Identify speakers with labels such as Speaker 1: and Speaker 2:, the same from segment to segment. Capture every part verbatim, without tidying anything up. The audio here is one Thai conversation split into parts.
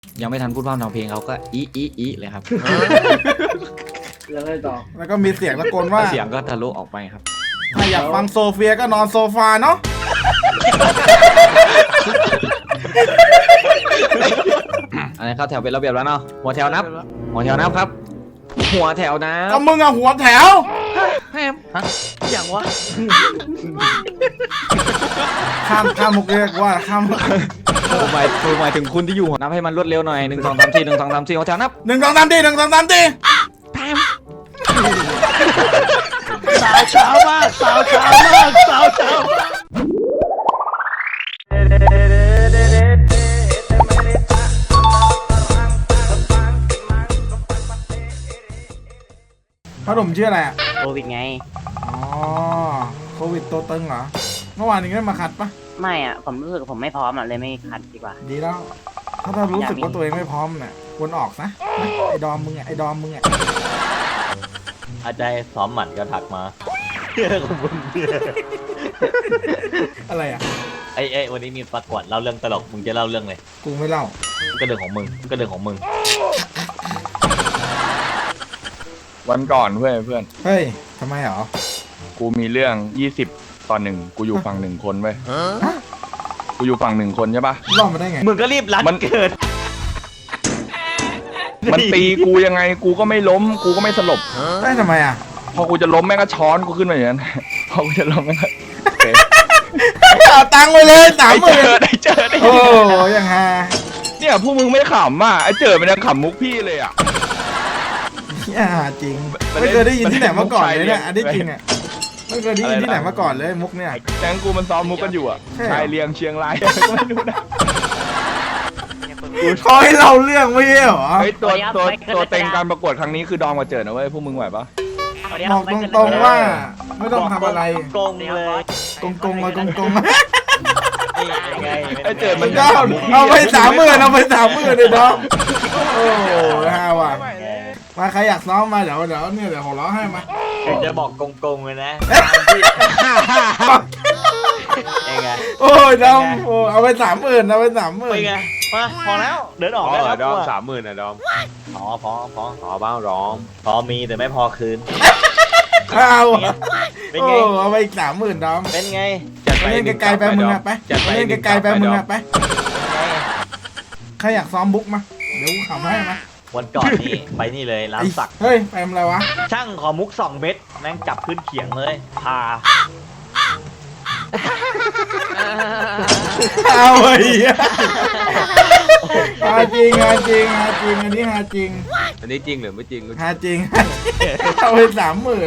Speaker 1: ยังไม่ทันพูดพร่ำทำเพลงเขาก็อีอีอีเลยครับ
Speaker 2: แล้วอะไรต่อ
Speaker 3: แล้วก็มีเสียงตะโกนว่า
Speaker 1: เสียงก็ทะลุออกไปครับ
Speaker 3: ถ้าอยากฟังโซเฟียก็นอนโซฟาเนาะ
Speaker 1: อันนี้เข้าแถวเป็นระเบียบแล้วเนาะหัวแถวนับ หัวแถวนับครับ หัวแถวนั
Speaker 3: ก็
Speaker 1: บ
Speaker 3: มึงอะหัวแถว
Speaker 1: แฮมฮะอย่างวะ
Speaker 3: ข้ามข้ามมุกเรียกว่าข้าม
Speaker 1: ผมหมายผมหมายถึงคุณที่อยู่นับให้มันรวดเร็วหน่อยหนึ่งสองสามสี่หนึ่งสองสามสี่หัวแถวนับ
Speaker 3: หนึ่งสองสามตีหนึ่งสองสามตี
Speaker 1: แพม
Speaker 2: สาวเช้ามากสาวเช้ามากสาวเช้ามาก
Speaker 3: พ่อหนุ่มชื่ออะไรอะ
Speaker 2: โควิดไง
Speaker 3: อ๋อโควิดตัวตึงเหรอเมื่อวานนี้ได้มาคัดปะ
Speaker 2: ไม่อ่ะผมรู้สึกผมไม่พร้อมอ่ะเลยไม่คัดดีกว่า
Speaker 3: ดีแล้ว ถ้าเรารู้สึกว่าตัวเองไม่พร้อมเนี่ยควรออกนะไอ้ดอมมึงอะไอ้ดอมมึงอะ
Speaker 4: อาจารย์ซ้อมหมันก็ทักมาของมึง
Speaker 3: อะไรอะ
Speaker 4: ไอ้ไอ้วันนี้มีประกวดเล่าเรื่องตลกมึงจะเล่าเรื่องเลย
Speaker 3: กูไม่เล่า
Speaker 4: ก็เรื่องของมึงก็เรื่องของมึง
Speaker 5: วันก่อนเพื่อนเพื่อน
Speaker 3: เฮ้ยทำไมเหรอ
Speaker 5: กูมีเรื่องยี่สิบตอนหนึ่งกูอยู่ฝั่งหนึ่งคนเว้ยกูอยู่ฝั่งหนึ่งคนใช่ปะ
Speaker 3: รอดมาได้ไง
Speaker 4: มึงก็รีบรัด
Speaker 5: มัน
Speaker 4: เกิด
Speaker 5: มันตีกูยังไงกูก็ไม่ล้มกูก็ไม่สลบ
Speaker 3: ได้ทำไมอะ
Speaker 5: พอกูจะล้มแม่งก็ช้อนกูขึ้นมาอย่างนั้น พอกูจะล้มแม่งก็โอเค
Speaker 3: เอาตังค์ไปเลยสามห
Speaker 5: ได้
Speaker 3: มื่
Speaker 5: เจอน ได้เจอได้เจ
Speaker 3: โอ้
Speaker 5: อ
Speaker 3: ยังฮา
Speaker 5: เนี่ยพวกมึงไม่ขำอ่ะไอ้เจอมันยังขำมุกพี่เลยอ่ะ
Speaker 3: เนี่ยหาจริงไม่เคยได้ยินที่ไหนมาก่อนเลยเนี่ยอันนี้จริงอะไม่เคยได้ยินที่ไหนมาก่อนเลยมุกเนี่ย
Speaker 5: แก๊งกูมันซ้อมมุกกันอยู่อ่ะ
Speaker 3: ใช่เหรอ
Speaker 5: ชายเลียงเชียงรายก็ไม่รู้นะ
Speaker 3: เขาให้เล่าเรื่องไม่ใช่เหรอ
Speaker 5: เฮ้ยตัวตัวตัวเต็งการประกวดครั้งนี้คือดอมกับเจอนะเว้ยพวกมึงไหวปะ
Speaker 3: บอกตรงๆว่าไม่ต้องทำอะไร
Speaker 4: โกงเลย
Speaker 3: กงกงๆมากงกงๆมา
Speaker 4: ไง
Speaker 5: ไอ้เจอ
Speaker 3: มั
Speaker 5: มัน น
Speaker 3: ก็เอาไปสามหมื่นเอาไปสามหมื่นเลยน้องโอ้โหห้าว่ะมาใครอยากซ้อมมาเดี๋ยวเดี๋ยวเนี่ยเดี๋ยวผมร้องให้มา
Speaker 4: ถึงจะบอกโกงๆเลยนะเองไง
Speaker 3: โอ้ยน้องโอ้เอาไปสามหมื่นเอาไปสามหมื่น
Speaker 4: เป็นไงมาพอแล้วเดินออก
Speaker 6: อ๋
Speaker 4: ได้
Speaker 6: อ
Speaker 4: แล้ว
Speaker 6: ดอม
Speaker 4: กูะ
Speaker 6: สามหมื่นนะดอม
Speaker 4: พอพอพอ
Speaker 6: อ๋อบ้างร้อง
Speaker 4: พอมีแต่ไม่พอคืน
Speaker 3: เอาอะ
Speaker 4: เป็น
Speaker 3: โอ้
Speaker 4: ไง
Speaker 3: เอาไปอีกสามหมื่นน้อง
Speaker 4: เป็นไง
Speaker 6: จัด
Speaker 3: ไป
Speaker 6: ไป
Speaker 3: เล่นไกลๆไปมึงอะไป
Speaker 6: จัด
Speaker 3: ไป
Speaker 6: ไป
Speaker 3: เล่นไกลๆไปมึงอะไป
Speaker 4: เป็นไง
Speaker 3: ใครอยากซ้อมบุ๊กมาเดี๋ยวกูขำให้มา
Speaker 4: วันก่อนนี่ไปนี่เลยร้านสัก
Speaker 3: เฮ้ยไปทำอะไรวะ
Speaker 4: ช่างขอมุกสองเม็ดแม่งจับขึ้นเขียงเลยพา
Speaker 3: เอาไอ้เหี้ยหาจริงหาจริงหาจริงอันนี้หาจริง
Speaker 6: อันนี้จริงหรือไม่จริง
Speaker 3: หาจริงเอาไปสามหมื่น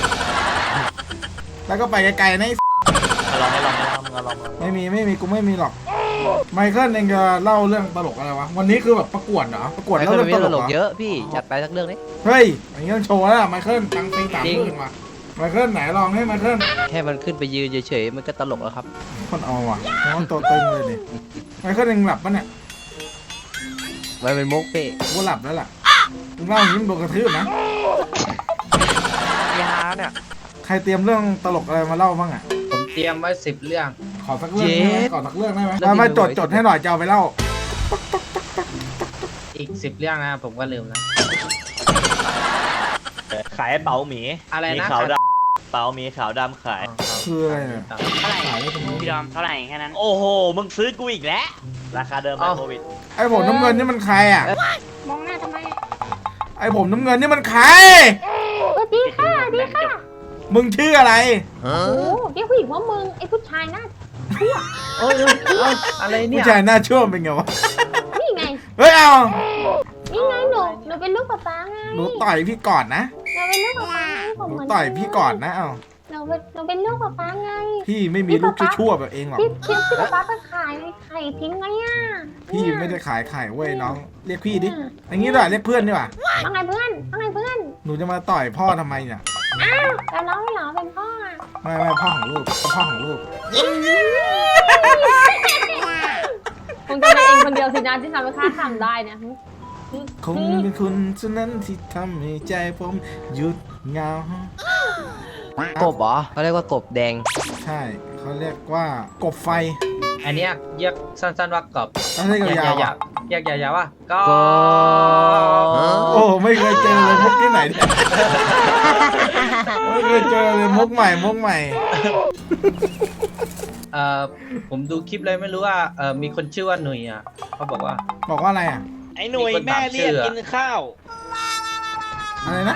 Speaker 3: แล้วก็ไปไกลๆนะไอ้
Speaker 4: มาลองให้ลองให้ลองมาลองมาลอง
Speaker 3: ไม่มีไม่มีกูไม่มีหรอกไมเคิลเองจะเล่าเรื่องตลกอะไรวะวันนี้คือแบบประกวดเหรอประกวด
Speaker 7: ไม
Speaker 3: เล่า
Speaker 7: เคิล
Speaker 3: เรื่อง
Speaker 7: มี
Speaker 3: ต
Speaker 7: ต
Speaker 3: ล
Speaker 7: ล
Speaker 3: ก
Speaker 7: ก
Speaker 3: เหร
Speaker 7: เย
Speaker 3: อ
Speaker 7: อะพี่จัดไปสักเรื่องนี้
Speaker 3: เฮ้ยอย่างนี้ต้องโชว์แล้วไมเคิลตังค์ปีสามหมื่นว่ะไมเคิลไหนลองให้ไมเคิล
Speaker 7: แค่มันขึ้นไปยืนเฉยๆมันก็ตลกแล้วครับ
Speaker 3: คนเอาว่ะน้องตัวตึงเลยดิไมเคิลเองหลับปะเนี่ย
Speaker 7: มันเป็นมุกพี่
Speaker 3: กูหลับแล้วล่ะมึงเล่าอย่างนี้มึงโดนกระทืบนะ
Speaker 7: ยาเนี่ย
Speaker 3: ใครเตรียมเรื่องตลกอะไรมาเล่าบ้างอ่ะ
Speaker 8: ผมเตรียมไว้สิบเรื่อง
Speaker 3: ขอสักเรื่องได้ไหมขอสักเรื่องได้ไหมมามาจดจดให้หน่อยจะเอาไปเล่า
Speaker 8: อีกสิบเรื่องนะผมก็ลืมแล้ว
Speaker 4: ขายเป๋าหมี
Speaker 8: อะไรนะ
Speaker 4: มีขาวดำเป๋าหมีขาวดำขาย
Speaker 3: คืออะไรเนี่ย
Speaker 2: เท่าไหร่
Speaker 3: ขายได้ตรงนี้
Speaker 2: พี่ดอมเท่าไหร่แค่นั้น
Speaker 4: โอ้โหมึงซื้อกูอีกแล้วราคาเดิมไหมโควิด
Speaker 3: ไอ้ผมน้ำเงินนี่มันใครอ่ะ
Speaker 9: มองหน้าทำไม
Speaker 3: ไอ้ผมน้ำเงินนี่มันใคร
Speaker 9: สวัสดีค่ะสวัสดีค่ะ
Speaker 3: มึงชื่ออะไร
Speaker 9: โอ้เรียกผู้หญิงว่ามึง ไอ้ผู้ชายหน้า
Speaker 8: โอ้ยเอาอะไรเนี่
Speaker 3: ผู้
Speaker 8: ย
Speaker 3: ชายหน้าชั่วเป็นไงวะ
Speaker 9: นี่ไง
Speaker 3: เฮ้ยเอา
Speaker 9: นี่ไงหนู หนูเป็นลูกป๊าป๊าไง
Speaker 3: หนูต่อยพี่ก่อนนะ
Speaker 9: หนูเป็นลูกป๊าป๊าไงผม
Speaker 3: หนู
Speaker 9: เหมือน
Speaker 3: ต่อยพี่ก่อนนะเอา
Speaker 9: หนูเป็นหนูเป็นลูกป๊าป๊าไง
Speaker 3: พี่ไม่มีลูกชั่วๆแบบเองหรอก
Speaker 9: พี่พี่พี่ป๊าป๊าไปขายไข่ทิ้งไงอ่ะ
Speaker 3: พี่ไม่ได้ขายไข่เว้ยน้อง เรียกพี่ดิอย่างนี้ด้วยเรียกเพื่อนดีกว่า
Speaker 9: ว่าไงเพื่อนว่าไงเพื่อน
Speaker 3: หนูจะมาต่อยพ่อทำไมเนี่ย
Speaker 9: อ้าวแล้วน้องไม่เหรอเป็นพ่ออ่ะ
Speaker 3: ไม่ไม่พ่อของลูกพ่อของลูก
Speaker 9: คงจะเป็นเองคนเดียวสินะที่ทำให้ข้าทำได้เนี่ย
Speaker 3: คงเป็นคุณเท่านั้นที่ทำให้ใจผมหยุดเหงาก
Speaker 7: บเหรอเขาเรียกว่ากบแดง
Speaker 3: ใช่เขาเรียกว่ากบไฟ
Speaker 8: อันเนี้ยเรียกสั้นๆว่ากอบ
Speaker 3: ต้องให้
Speaker 8: เรียก
Speaker 3: ยาวๆ
Speaker 8: ยา
Speaker 3: อ่ะ
Speaker 8: วๆเรียกยาวๆว่ากอ
Speaker 7: ก็
Speaker 3: โอ้ไม่เคยเจอเลยมุกที่ไหนเนี่ยไม่เคยเจอเลยมุกใหม่มุกใหม่
Speaker 8: เอ่อผมดูคลิปเลยไม่รู้ว่าเอ่อมีคนชื่อว่าหนุ่ยอ่ะเขาบอกว่า
Speaker 3: บอกว่าอะไรอ่ะ
Speaker 8: ไอ้หนุ่ยแม่เรียกกินข้าว
Speaker 3: อะไรนะ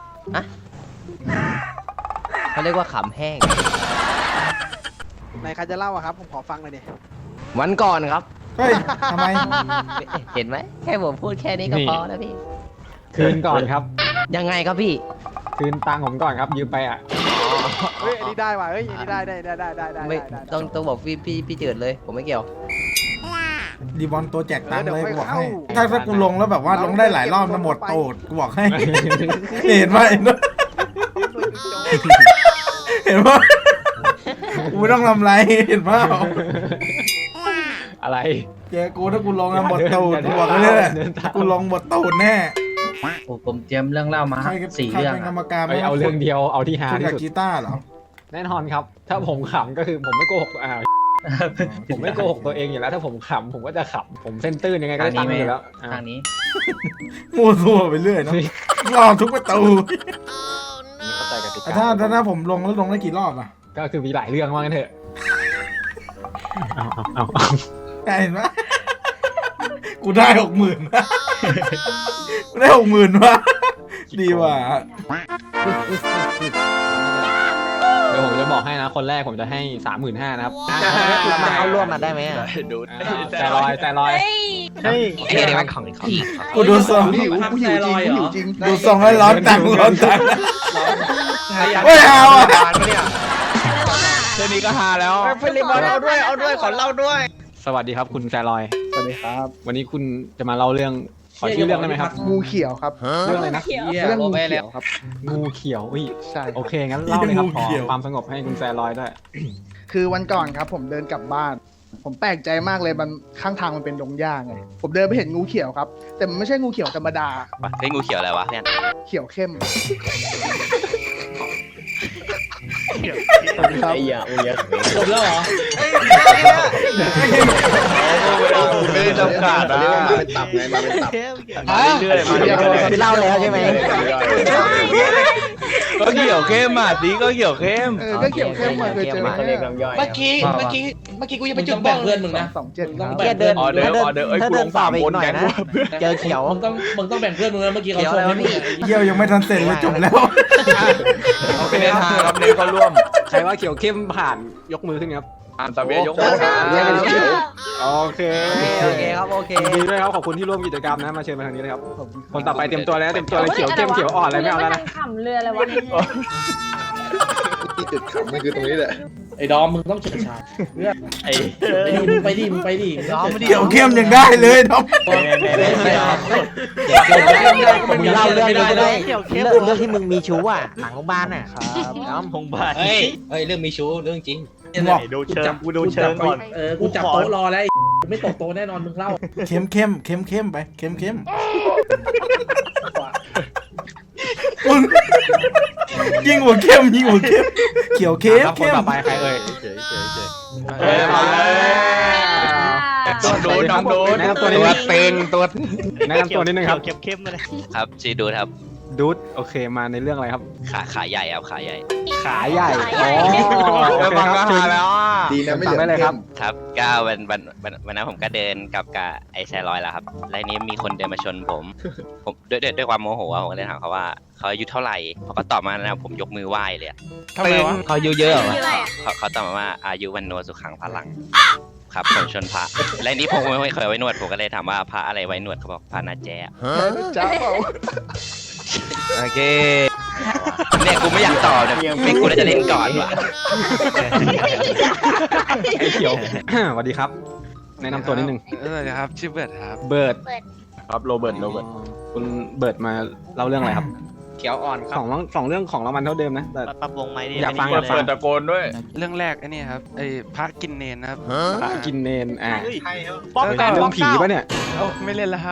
Speaker 7: เขาเรียกว่าขำแห้ง
Speaker 2: ไหนใครจะเล่าอะครับ ผมขอฟังหน่อยดิ
Speaker 7: วันก่อนครับ
Speaker 3: เฮ้ยทำไม
Speaker 7: เห็นไหมแค่ผมพูดแค่นี้ก็พอแล้วพี่
Speaker 10: คืนก่อนครับ
Speaker 7: ยังไงครับพี่
Speaker 10: คืนตังค์ผมก่อนครับยืมไปอ่ะ
Speaker 2: เฮ้ย อันนี้ได้ว่ะ เฮ้ย อันนี้ได้ได้ได้ได้ได้ได้
Speaker 7: ไม่
Speaker 2: ได้
Speaker 7: ต้องต้องบอกพี่พี่พี่เจิดเลย ผมไม่เกี่ยว
Speaker 3: ดีบอลตัวแจกตังค์เลย
Speaker 2: เดี๋
Speaker 3: กู
Speaker 2: ยว
Speaker 3: บอก
Speaker 2: ค่อย
Speaker 3: ให้
Speaker 2: เข้า
Speaker 3: ถ้าถ้ากูลงแล้วแบบว่าลงได้หลายรอบนะหมดโตดกูบอกให้ เห็นไหมเห็นไหมกูไม่ต้องทำไรเห็นเปล่า
Speaker 10: อะไร
Speaker 3: เจอกูถ้ากูลงแล้วหมดตูดกูบอกเลยแหละกูลงหมดตูดแน่
Speaker 8: โอ้ผมเตรียมเรื่องเล่ามา
Speaker 3: ใคร
Speaker 8: สี่
Speaker 3: ใคร
Speaker 8: เรื่อง
Speaker 3: เป็นกร
Speaker 8: อะ
Speaker 3: รมการ
Speaker 10: ไปเอาเรื่องเดียวเอาที่ฮา
Speaker 3: คุณ
Speaker 10: ที่
Speaker 3: กับ
Speaker 10: สุด
Speaker 3: กีตาร์เหรอ
Speaker 10: แน่นอนครับ ถ้าผมขำก็คือผมไม่โกหกอ่าผมไม่โกหกตัวเองอยู่แล้ว ถ้าผมขำผมก็จะขำผมเส้นตื้นยังไงก็
Speaker 8: ทาง
Speaker 10: ได้ตั
Speaker 8: นี้
Speaker 10: งค์
Speaker 8: ไม่
Speaker 10: อยู่แล้วอ่า
Speaker 8: ทางนี้
Speaker 3: มั่วซั่วไปเรื่อยเนาะรอทุกประตู
Speaker 10: ไม่เข้าใจกติ
Speaker 3: แต่
Speaker 10: กา
Speaker 3: ถ้าถ้าถ้าผมลงแล้วลงได้กี่รอบอ่ะ
Speaker 10: ก็คือมีหลายเรื่องว่างั้นเถอะเอาเอาเอา
Speaker 3: เห็นไหมกูได้หกหมื่นกูได้หกหมื่นวะดีว่ะ
Speaker 10: เดี๋ยวผมจะบอกให้นะ คนแรกผมจะให้สามหมื่นห้านะครับ
Speaker 7: เรามาเข้าร่วมมาได้ไหมอ่ะ
Speaker 5: ดูด
Speaker 10: แต่ลอยแต่ลอย
Speaker 9: เฮ้ย
Speaker 7: ไอ้เรื่องของของ
Speaker 3: กูดูทรง
Speaker 2: หิวกูหิวจริงกูหิวจริง
Speaker 3: ดูทรงให้ร้อนตังค์ร้อนตังค์ไม่เอาอ่ะ
Speaker 5: แค่นี้ก็ฮาแล้ว
Speaker 7: เฟลิบอลเอาด้วยเอาด้วยขอเล่าด้วย
Speaker 10: สวัสดีครับคุณแซลอย
Speaker 2: สวัสดีครับ
Speaker 10: วันนี้คุณจะมาเล่าเรื่องขอชื่อเรื่องได้ไหมครับ
Speaker 2: งูเขียวครับ
Speaker 10: เรื่องอะไรนะ
Speaker 9: เขียว
Speaker 2: เรื่องงูเขียวครับ
Speaker 10: งูเขียวอุ้ย
Speaker 2: ใช่
Speaker 10: โอเคงั้นเล่าเลยครับขอความสงบให้คุณแซลอยด้วย
Speaker 2: คือวันก่อนครับผมเดินกลับบ้าน ผมแปลกใจมากเลยมันข้างทางมันเป็นดงหญ้าไง ผมเดินไปเห็นงูเขียวครับ แต่มันไม่ใช่งูเขียวธรรมดา
Speaker 4: เฮ้ยงูเขียวอะไรวะเพื่อน
Speaker 2: เขียวเข้ม
Speaker 4: ไอ้ยาอุ้ย
Speaker 8: จบแล้วเหรอ
Speaker 5: ไม่ได้จำกัดนะ
Speaker 7: มาเป็นตับไงมาเป็นตับ
Speaker 5: เรื่อยๆมาเรื่อยๆ
Speaker 7: เล่าแล้วใช่ไหม
Speaker 5: ก็เขียวเข้มอ่ะสีก็เขียวเข้ม
Speaker 2: เออ ก็เขียวเข้มมาเคยเจอไหม
Speaker 4: เรียกลำย่อย
Speaker 8: เมื่อกี้เมื่อกี้เมื่อกี้กูยังไปจุดแบ่งเพื่อนมึงนะ
Speaker 2: สองเจ็ดครับ
Speaker 7: แค่เดิน
Speaker 5: ออเดอร์ออเดอร์เอ้ย
Speaker 7: ถ้า
Speaker 5: กู
Speaker 7: เดิ
Speaker 5: ล
Speaker 7: น
Speaker 5: ง
Speaker 7: ต่อ
Speaker 5: สาม
Speaker 7: ไปอี
Speaker 5: คน
Speaker 7: กหน่อย
Speaker 5: แกง
Speaker 7: นะ
Speaker 5: กูเพื่อน
Speaker 7: เจอเขียว
Speaker 8: มึงต้องมึงต้องแบ่งเพื่อนมึงนะเมื่อกี้เขา
Speaker 7: เขียว
Speaker 8: ช
Speaker 7: อะไร
Speaker 8: น
Speaker 7: วะพี่
Speaker 3: เยี่ยวยังไม่ทันเสร็จเลยจบแล้ว
Speaker 5: โอเคฮาครับเน้นเขาร่วม
Speaker 10: ใครว่าเขียวเข้มผ่านยกมือขึ้นครับ
Speaker 5: อ่านตะเบียยกมือครับ
Speaker 10: โอเค
Speaker 7: โอเคครับโอเค
Speaker 10: ยินดีด้วยครับขอบคุณที่ร่วมกิจกรรมนะมาเชิญมาทางนี้เลยครับคนต่อไปเตรียมตัวแล้วเตรียมตัวเลยเขียวเข้มเขียวอ่อนอะไรไม่เอาแล้วนะ
Speaker 9: ขำเรืออะไรวะ
Speaker 7: ที่จุดขำมันคือตรงนี้แหละ
Speaker 8: ไอ้ดอมมึงต้องเฉิดฉายเพื่อน
Speaker 4: ไอ้
Speaker 8: ไปดิมึงไปดิมึงไปดิ
Speaker 7: น้องไม่ได้
Speaker 3: เกี่ยวเข้มยังได้เลยน้อง
Speaker 7: มึงเล่าเรื่องนี้ก็ได้เรื่องเรื่องที่มึงมีชู้อ่ะหลังโรงพยาบาลอ่ะ
Speaker 4: น้ำพงบาท
Speaker 8: เฮ้ยเฮ้ยเรื่องมีชู้เรื่องจริง
Speaker 3: บอก
Speaker 4: ดูเชิงกูดูเชิงก่อน
Speaker 8: เออกูจับโต๊ะรอแล้วกูไม่ตกโต๊ะแน่นอนมึงเล่า
Speaker 3: เข้มเข้มเข้มเข้มไปเข้มเข้มมึงยิงหัวเข้มยิงหัวเข้มเขียวเข้ม
Speaker 10: ครับคน
Speaker 3: เข้ม
Speaker 10: ต่อไปใครเอ่ย
Speaker 4: เฉยเฉยเฉย
Speaker 5: เฮ้ยมาเลยน้องโดนน้องโดน
Speaker 10: แนะนำตัวนิดนึงเต็งตัวแนะนำตัวนิดนึงครับ
Speaker 4: เข้มๆเลย
Speaker 6: ครับชื่อดูดครับ
Speaker 10: ดูดโอเคมาในเรื่องอะไรครับ
Speaker 6: ขาขาใหญ่ครับขาใหญ่
Speaker 10: ขาใหญ่
Speaker 9: ขา
Speaker 10: อ๋
Speaker 9: ใหญ่
Speaker 10: อโอ
Speaker 5: เออ
Speaker 10: เค
Speaker 5: ฟัง
Speaker 10: ค
Speaker 5: ก็
Speaker 10: รับ
Speaker 5: ฮาแล้วอ่ะ
Speaker 7: ดีนะไม่
Speaker 10: สั่งได้เลยครับ
Speaker 6: ครับก็วันวันวันวันนั้นผมก็เดินกับกับไอ้แซลอยแล้วครับแล้วทีนี้มีคนเดินมาชนผม ผมด้วยด้วยด้วยความโมโหอะผมก็เลยถามเขาว่าเขาอายุเท่าไหร่เขาก็ตอบมานะผมยกมือไหว้เลยอะ
Speaker 5: ทำไมวะ
Speaker 7: เขาอายุเยอะเหรอ
Speaker 9: ชื่ออะไรอะ
Speaker 6: เขาเขาตอบมาว่าอายุวันโนสุขังพลัง ครับผมชนพระและนี้ผมไม่เคยไว้หนวดผมก็เลยถามว่าพระอะไรไว้หนวดเขาบอกพระนาแจ
Speaker 2: จ้าเปล่า
Speaker 6: โอเคเนี่ยกูไม่อยากตอบเนี่ยไม่กูน่าจะเล่นก่อนว่ะ
Speaker 10: ไอ้เขียว สวัสดีครับ แนะนำตัวนิดนึง
Speaker 5: เออครับชื่อเบิร์ดครับ
Speaker 10: เบิร์ด
Speaker 5: ครับโรเบิร์ตโรเบิร์ต
Speaker 10: คุณเบิร์ดมาเล่าเรื่องอะไรครับ
Speaker 8: เขียวอ่อนค
Speaker 10: ส
Speaker 8: รับ
Speaker 10: องเรื่องสองเรื่องของรางวัลเท่าเดิมนะแต่
Speaker 4: ปรับวงไหมดิ
Speaker 10: อยากฟัง
Speaker 5: เปิดเปิดตะโกนด้วย
Speaker 11: เรื่องแรกไอ้นี่ครับไอ้พระกินเนนนะครับ
Speaker 10: พระกินเนนอ่า
Speaker 11: ป้อมเก้า
Speaker 10: เรื่องผีปะเนี่ย
Speaker 11: โอ้ไม่เล่นแล้วครับ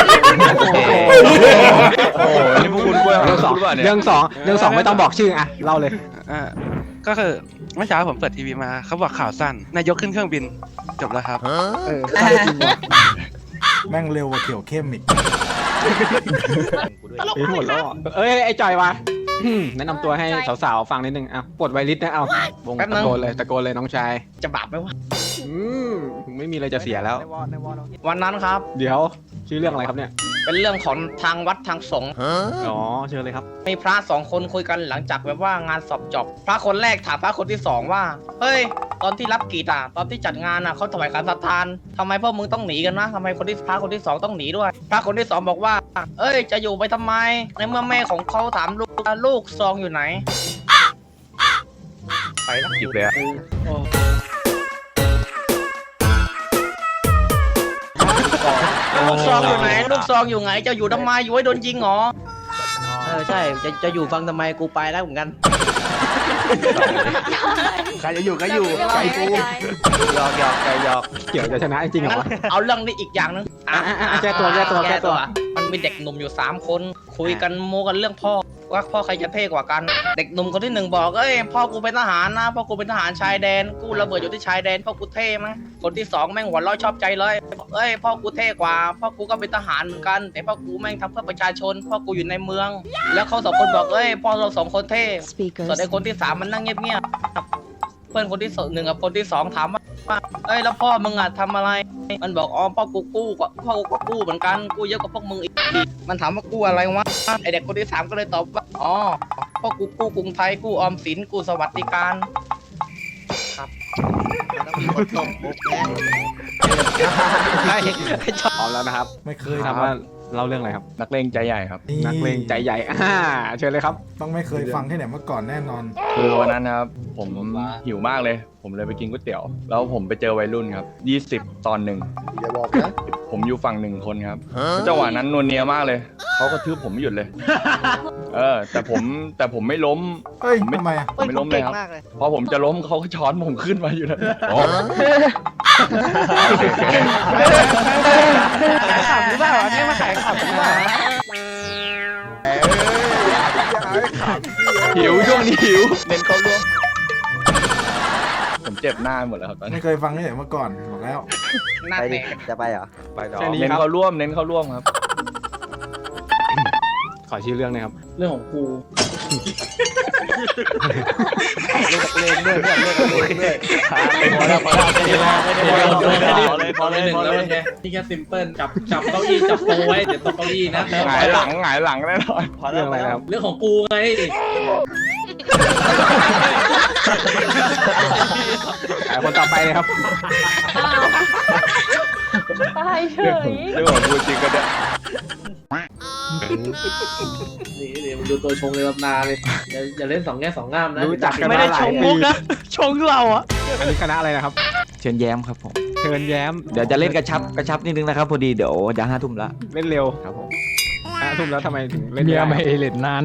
Speaker 5: โอ้โหนี่พวกคุณกล้วย
Speaker 10: เรื่องสอง
Speaker 5: คุณป่ะเนี่ย
Speaker 10: เรื่องสองเรื่องสองไม่ต้องบอกชื่ออ่ะเล่าเลย
Speaker 11: อ่าก็คือเมื่อเช้าผมเปิดทีวีมาเขาบอกข่าวสั้นนายกขึ้นเครื่องบินจบแล้วครับ
Speaker 2: เออใช่จริงว่ะ
Speaker 3: แม่งเร็วกว่าเขียวเข้มอีก
Speaker 10: เฮ้ยหมดแล้วเหรอเอ้ยไอ้จอยวะอืมแนะนำตัวให้สาวๆฟังนิดนึงอ่ะปลดไวริสนะเอาวงตะโกนเลยตะโกนเลยน้องชาย
Speaker 8: จะบาปไหมวะ
Speaker 10: อืมไม่มีอะไรจะเสียแล้ว
Speaker 8: วันนั้นครับ
Speaker 10: เดี๋ยวชื่อเรื่องอะไรครับเนี่ย
Speaker 8: เป็นเรื่องของทางวัดทางสงฆ์
Speaker 10: อ๋อเชิญเลยครับ
Speaker 8: มีพระสองคนคุยกันหลังจากแบบว่างานสอบจบ พระคนแรกถามพระคนที่สองว่า เฮ้ย ตอนที่รับกีตอ่ะ ตอนที่จัดงานอ่ะเขาถวายการศรัทธานทำไมพวกมึงต้องหนีกันนะทำไมคนที่พระคนที่สองต้องหนีด้วย พระคนที่สองบอกว่า เอ้ย จะอยู่ไปทำไม ในเมื่อแม่ของเขาถามลูกว่าลูกซองอยู่ไหน
Speaker 5: ไปแล้วหยิบเลยอะ
Speaker 8: ลูกซองอยู่ไหน ลูกซองอยู่ไหน จะอยู่ทำไม อยู่ให้โดนยิงเหรอ
Speaker 7: เออใช่จะจะอยู่ฟังทำไมกูไปแล้วเหมือนกัน
Speaker 2: ใครจะอยู่ก็อยู่ใครกู
Speaker 7: หยอกหยอกใจหยอก
Speaker 10: เกี่ยวจะชนะจริงเหรอวะ
Speaker 8: เอาเรื่องนี้อีกอย่างหนึง
Speaker 10: อ่ะอ่ะอ่ะแก้ตัวแก้ตัวแก้ตัว
Speaker 8: มันมีเด็กหนุ่มอยู่สามคน คุยกันโมกันเรื่องพ่อว่าพ่อใครจะเท่กว่ากัน เด็กหนุ่มคนที่หนึ่งบอกเอ้ยพ่อกูเป็นทหารนะพ่อกูเป็นทหารชายแดนกูระเบิดอยู่ที่ชายแดนพ่อกูเท่มั้ยคนที่สองแม่งหัวเราะชอบใจเลยเอ้ยพ่อกูเท่กว่าพ่อกูก็เป็นทหารเหมือนกัน แต่พ่อกูแม่งทำเพื่อประชาชนพ่อกูอยู่ในเมือง แล้วเขาสองคนบอกเอ้ยพ่อเราสองคนเท่ส่วนไอ้คนที่สามมันนั่งเงียบๆเพื่อนคนที่หนึ่งกับคนที่สองถามว่าเอ้ยแล้วพ่อมึงอ่ะทำอะไร มันบอกอ๋อพ่อกูกู้กว่าพ่อกูก็กู้เหมือนกันกู้เยอะกว่าพวกมึงอีกมันถามว่ากู้อะไรวะไอเด็กคนที่สามก็เลยตอบว่าอ๋อพ่อกูกู้กรุงไทยกู้ออมสินกู้สวัสดิการครับ
Speaker 7: ต้องมีคนตกมุกแน่
Speaker 10: พร้อมแล้วนะครับ
Speaker 3: ไม่เคย
Speaker 10: ถามว่าเล่าเรื่องอะไรครับ
Speaker 5: นักเลงใจใหญ่ครับ
Speaker 10: นักเลงใจใหญ่อ่าเชิญเลยครับ
Speaker 3: ต้องไม่เคยฟังที่ไหนมาก่อนแน่นอน
Speaker 5: คือวันนั้นนะครับผมหิวมากเลย ผมเลยไปกินก๋วยเตี๋ยว แล้วผมไปเจอวัยรุ่นครับยี่สิบตอนหนึ่ง
Speaker 2: อย่าบอกนะ
Speaker 5: ผมอยู่ฝั่งหนึ่งคนครับจังหวะนั้นนวลเนียมากเลยเขาก็ทืบผมไม่หยุดเลย เออ แต่ผมแต่ผมไม่ล้ม
Speaker 3: เฮ้ย
Speaker 5: ผมไม่
Speaker 3: ทำไมอ่ะ
Speaker 5: ผมไม่ล้มเลยครับพอผมจะล้มเขาก็ช้อนผมขึ้นมาอยู่นะ
Speaker 8: ขำหรือเปล่าอันนี้มาขายขำหรือเปล่า
Speaker 5: หิวช่วงนี้หิวเน้นเข้าร่วมผมเจ็บหน้าหมดแล้วครับตอนนี้
Speaker 3: ไม่เคยฟังที่ไหนมาก่อนบอกแล้ว
Speaker 8: หน้า
Speaker 7: ไป
Speaker 8: แต
Speaker 7: ดิ
Speaker 8: ก
Speaker 7: จะไปเหรอ
Speaker 5: ไปต่อ
Speaker 10: แค่นี้
Speaker 5: เน้น
Speaker 10: ครับ
Speaker 5: เข้าร่วมเน้นเข้าร่วมครับ
Speaker 10: ขอชื่อเรื่องหนะครับ
Speaker 8: เรื่องของกู
Speaker 7: เล่นกับเล่นด้วยเนี่ยเล่นกับเล่นด้วย
Speaker 8: พอแล้วพอแล้วไม่ได้พอเลยพอเลยพอเลยนี่แค่ซิมเปิลจับจับเก้าอี้จับโปไว้เดี๋ยวตกเก้าอี้นะ
Speaker 5: หงายหลังหงายหลังแน่นอน
Speaker 10: เรื่องอะไรนะครับ
Speaker 8: เรื่องของกูไง
Speaker 10: อ่าคนต่อไปเลยครับ
Speaker 9: ตายเฉย
Speaker 5: เรื่องของกูจริงก็ได้
Speaker 8: นี่เดี๋ยวดูตัวชงในตำนานเลยอย่าอย่าเล่นสองแง่สองงามนะ
Speaker 10: รู้จักกัน
Speaker 8: ไม่
Speaker 10: มา
Speaker 8: ได้
Speaker 10: หลา
Speaker 8: ช
Speaker 10: ย
Speaker 8: ง
Speaker 10: ปี
Speaker 8: มุกนะชงเราอะ
Speaker 10: อันนี้คณะอะไรนะครับ
Speaker 1: เชิญแย้มครับผม
Speaker 10: เชิญแย้ม
Speaker 1: เดี๋ยวจะเล่นกระชับกระชับนิดนึงนะครับพอดีเดี๋ยวจะห้าทุ่มละ
Speaker 10: เล่นเร็ว
Speaker 1: ครับผม
Speaker 10: ห้าทุ่มแล้วทำไมถึงเล่นเมียไม่เล่นนาน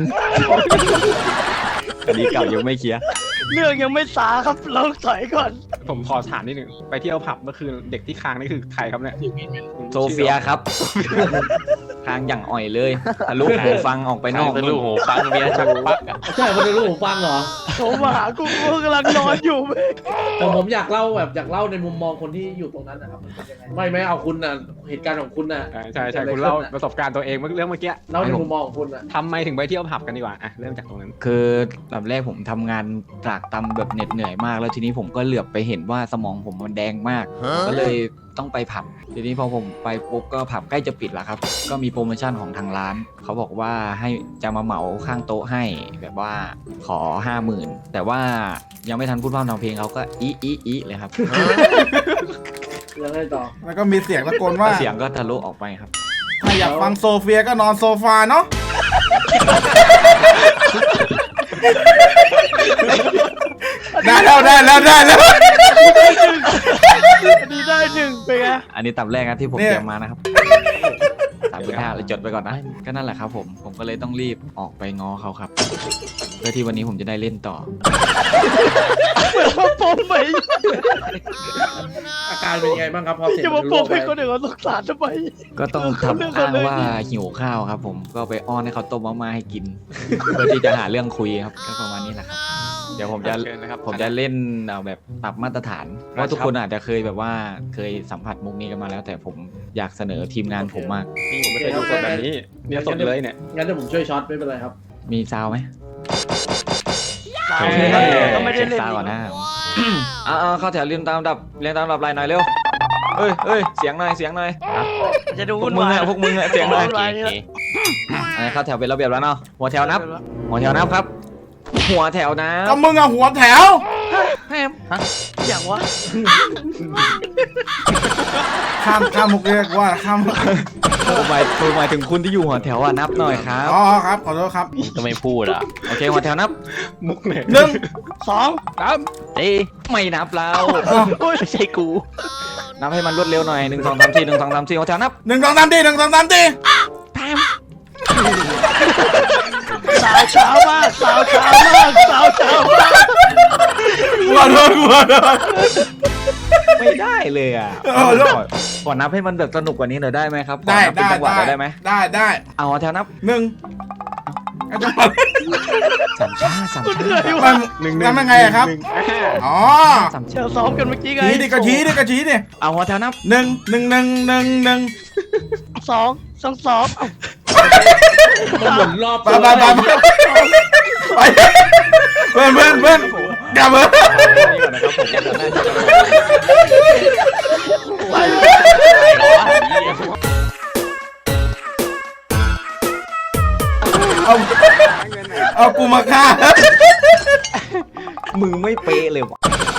Speaker 1: คดีเก่ายังไม่เคลียร์
Speaker 8: เรื่องยังไม่สาครับเราถอยก่อน
Speaker 10: ผมขอถามนิดหนึ่งไปเที่ยวผับเมื่อคืนเด็กที่ค้างนี่คือใครครับเนี่ย
Speaker 1: โซเฟียครับ ทางอย่างอ่อยเลยทะลุหูฟังออกไปนอก
Speaker 6: ทะลุหูฟังเมียชักปักอะ
Speaker 8: ใช่คนในรูปผมฟังเหรอ
Speaker 11: ผมมาหากูกูกำลังนอนอยู่
Speaker 8: แต่ผมอยากเล่าแบบอยากเล่าในมุมมองคนที่อยู่ตรงนั้นนะครับมันเป็นยังไงไม่ไม่เอาคุณน่ะเหตุการณ์ของคุณน่ะ
Speaker 10: อ่าใช่ใช่คุณเล่าประสบการณ์ตัวเองเมื่อเรื่องเมื่อกี้
Speaker 8: เล่าในมุมมองของคุณน่ะ
Speaker 10: ทำไมถึงไปเที่ยวผับกันดีกว่าอ่ะเริ่มจากตรงนั้น
Speaker 1: คือลำแรกผมทำงานตรากตำแบบเหน็ดเหนื่อยมาก แล้วทีนี้ผมก็เหลือบไปเห็นว่าสมองผมมันแดงมาก ก็เลยต้องไปผับ ทีนี้พอผมไปปุ๊บก็ผับใกล้จะปิดแล้วครับ ก็มีโปรโมชั่นของทางร้าน เขาบอกว่าให้จะมาเหมาข้างโต๊ะให้แบบว่าขอห้าหมื่นแต่ว่ายังไม่ทันพูดพร่ำทำเพลงเขาก็อีอีอีเลยครับ
Speaker 8: ยังไงต่อ
Speaker 3: แล้วก็มีเสียงตะโกนว่า
Speaker 1: เสียงก็ทะลุออกไปครับ
Speaker 3: ถ้าอยากฟังโซเฟียก็นอนโซฟาเนาะ ได้แล้วได้แล้วได้แล้ว
Speaker 11: อันนี้ได้หนึ่งไปไง
Speaker 1: อันนี้ตับแรกนะที่ผมเตรียมมานะครับสามสิบห้าเลยจดไปก่อนนะ ก็นั่นแหละครับผม ผมก็เลยต้องรีบออกไปง้อเขาครับ เพื่อที่วันนี้ผมจะได้เล่นต่อ
Speaker 11: เหมือนมาปมไหม
Speaker 8: อาการเป็นยังไงบ้างครับพอเสร็จ
Speaker 11: จะมาปมให้คนอื่นเขาสงสารทำไม
Speaker 1: ก็ต้องทำอ้างว่าหิวข้าวครับผม ก็ไปอ้อนให้เขาต้มมาม่าให้กิน เพื่อที่จะหาเรื่องคุยครับ ก็ประมาณนี้แหละครับเดี๋ยวผมจะ
Speaker 10: เชิญเลยครับ
Speaker 1: ผมจะเล่นเอาแบบปรับมาตรฐานเพราะทุกคนอาจจะเคยแบบว่าเคยสัมผัสมุกนี้กันมาแล้ว แต่ผมอยากเสนอทีมงานผมมาก
Speaker 10: นี่ผมไม่เคยดูสดแบบนี้เนี่ยสดเลยเนี่ย
Speaker 2: งั้นเดี๋ยวผมช่วยช็อตไม่เป็นไรครับ
Speaker 1: มีซาวไหม
Speaker 10: โอเค
Speaker 1: ก็ไม่ได้เล่นซาวก่อนนะเอาเอาเข้าแถวเรียนตามลำดับเรียนตามลำดับลายหน่อยเร็วเอ้ยเอ้ยเสียงหน่อยเสียงหน่อย
Speaker 8: จะดู
Speaker 1: พวกมึงอะพวกมึงอะเสียงหน่อย
Speaker 6: โอเคโอเค
Speaker 1: อ่ะเข้าแถวเป็นระเบียบแล้วเนาะหัวแถวนับ หัวแถวนับครับ หัวแถวนั
Speaker 3: ก็
Speaker 1: บ
Speaker 3: มึงอะหัวแถว
Speaker 8: อย่างวะ
Speaker 3: ข้ามข้ามมุกเรียกว่าข้าม
Speaker 1: ผมหมายผมหมายถึงคุณที่อยู่หัวแถวอะนับหน่อยครับ
Speaker 3: อ๋อครับขอโทษครับ
Speaker 6: ก็ไม่พูดอ่ะ
Speaker 1: โอเคหัวแถวนับ
Speaker 10: มุกเนี่ย
Speaker 3: หนึ่ง
Speaker 8: สอง
Speaker 6: เอ้ย
Speaker 1: ไม่นับแล้ว
Speaker 6: ไม่ใช่กู
Speaker 1: นับให้มันรวดเร็วหน่อยหนึ่งสองสามสี่หนึ่งสองสามสี่หัวแถวนับ
Speaker 3: หนึ่งสองสามทีหนึ่งสองสามที
Speaker 8: สาวเช้ามากสาวเช้ามากสาวเช้ามาก
Speaker 3: ขอโทษขอโทษ
Speaker 1: ไม่ได้เลยอ่ะ
Speaker 3: เออ
Speaker 1: ขอขอนับให้มันแบบสนุกกว่านี้หน่อยได้ไหมครับขอ
Speaker 3: ได้
Speaker 1: นับเป็น
Speaker 3: ได้
Speaker 1: จังหวะหน่อยได้ไหม
Speaker 3: ได้ได้
Speaker 1: เอาหัวแถวนับ
Speaker 3: หนึ่งเอาจังหวะ
Speaker 1: สามชาสามชา
Speaker 3: มัน
Speaker 10: หนึ่ง
Speaker 3: ทำยังไงอะครับ
Speaker 10: หนึ่ง
Speaker 3: อ๋อ
Speaker 1: สามชา
Speaker 8: เชิญซ้อมกันเมื่อกี้ไง
Speaker 3: ชี้ดิก็ชี้ดิก็ชี้ดิ
Speaker 1: เอาหัวแถวนับ
Speaker 3: หนึ่งหนึ่งหนึ่งหนึ่งหนึ่ง
Speaker 8: สองสองสอง
Speaker 10: เหมือนรอบ
Speaker 3: ไปไปไปไปไปเพื่อนเพื่อนเพื่อนกลับเพื่อน
Speaker 1: นี่ก่อนนะครับผมจะน่าจะ
Speaker 3: เอาเอากูมาฆ่า
Speaker 1: มึงไม่เป๊ะเลยวะ